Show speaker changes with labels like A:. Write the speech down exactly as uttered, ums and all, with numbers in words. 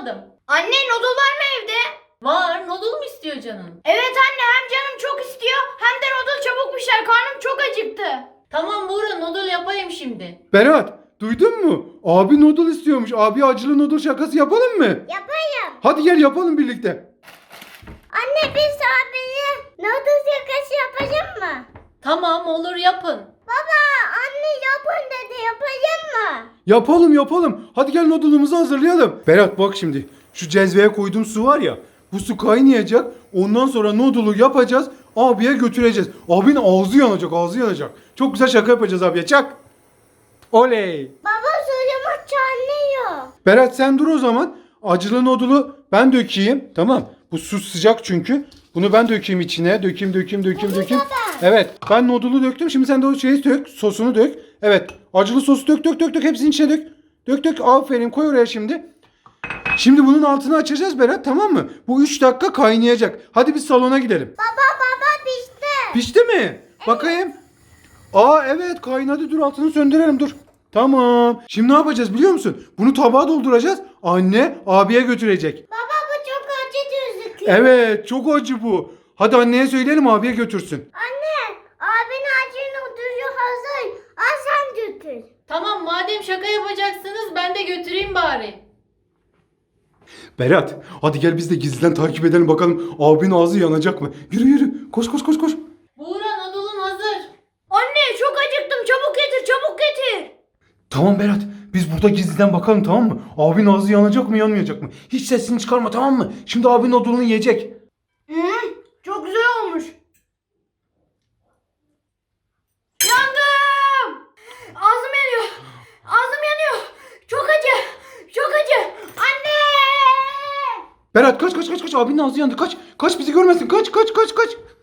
A: bulamadım.
B: Anne noodle var mı evde?
A: Var, noodle mu istiyor canın?
B: Evet anne, hem canım çok istiyor hem de noodle çabuk pişer. Karnım çok acıktı.
A: Tamam Buğra, noodle yapayım şimdi.
C: Berat, duydun mu? Abi noodle istiyormuş. Abi acılı noodle şakası yapalım mı?
B: Yapayım.
C: Hadi gel yapalım birlikte.
B: Anne biz abiye noodle yakası yapacak mı?
A: Tamam, olur, yapın.
B: Baba anne yapın dedi, yapacak mı?
C: Yapalım yapalım. Hadi gel noodle'ımızı hazırlayalım. Berat bak şimdi. Şu cezveye koyduğum su var ya. Bu su kaynayacak. Ondan sonra noodle'u yapacağız. Abiye götüreceğiz. Abinin ağzı yanacak, ağzı yanacak. Çok güzel şaka yapacağız abiye. Çak. Oley.
B: Baba suyumuz çanlıyor.
C: Berat sen dur o zaman. Acılı noodle'u ben dökeyim. Tamam. Bu su sıcak çünkü. Bunu ben dökeyim içine. Dökeyim, dökeyim, dökeyim, dökeyim. Evet. Ben noodle'u döktüm. Şimdi sen de o şeyi dök. Sosunu dök. Evet. Acılı sosu dök, dök, dök, dök. Hepsini içine dök. Dök, dök. Aferin. Koy oraya şimdi. Şimdi bunun altını açacağız Berat, tamam mı? Bu üç dakika kaynayacak. Hadi biz salona gidelim.
B: Baba baba pişti.
C: Pişti mi? Bakayım. Aa evet kaynadı. Dur altını söndürelim dur. Tamam. Şimdi ne yapacağız biliyor musun? Bunu tabağa dolduracağız. Anne abiye götürecek.
B: Baba bu çok acı gözüküyor.
C: Evet çok acı bu. Hadi anneye söyleyelim abiye götürsün.
B: Anne abinin acı noodle'u hazır. Al sen götür.
A: Tamam, madem şaka yapacaksınız ben de götüreyim bari.
C: Berat hadi gel biz de gizliden takip edelim bakalım abinin ağzı yanacak mı? Yürü yürü koş koş koş koş.
A: Buğra, noodle'un hazır.
B: Anne çok acıktım, çabuk getir çabuk getir.
C: Tamam Berat biz burada gizliden bakalım tamam mı? Abinin ağzı yanacak mı yanmayacak mı? Hiç sesini çıkarma tamam mı? Şimdi abinin odunu yiyecek.
B: Hmm, çok güzel olmuş. Yandım. Ağzım yanıyor. Ağzım yanıyor. Çok acı. Çok acı. Anne.
C: Berat kaç kaç kaç kaç abinin ağzı yandı kaç. Kaç bizi görmesin kaç kaç kaç kaç.